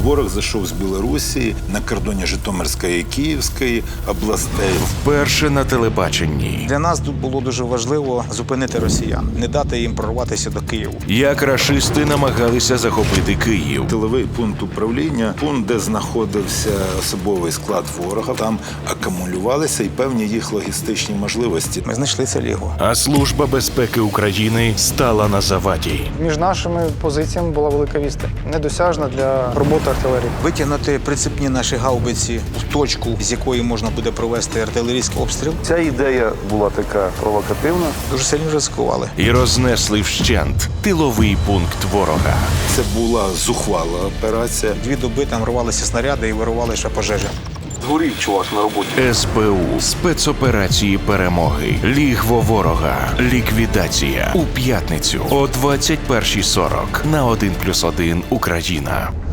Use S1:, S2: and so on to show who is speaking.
S1: Ворог зайшов з Білорусі на кордоні Житомирської і Київської областей.
S2: Вперше на телебаченні.
S3: Для нас тут було дуже важливо зупинити росіян, не дати їм прорватися до Києва.
S2: Як рашисти намагалися захопити Київ.
S1: Тиловий пункт управління, пункт, де знаходився особовий склад ворога, там акумулювалися і певні їх логістичні можливості.
S3: Ми знайшли це лігво.
S2: А Служба безпеки України стала на заваді.
S4: Між нашими позиціями була велика відстань, недосяжна для роботи артилерії.
S3: Витягнути прицепні наші гаубиці в точку, з якої можна буде провести артилерійський обстріл.
S5: Ця ідея була така провокативна.
S3: Дуже сильно ризикували.
S2: І рознесли вщент тиловий пункт ворога.
S1: Це була зухвала операція.
S3: 2 доби там рвалися снаряди і вирували ще пожежі.
S5: Згорів чувак на роботі.
S2: СБУ. Спецоперації перемоги. Лігво ворога. Ліквідація. У п'ятницю о 21:40 на 1+1 Україна.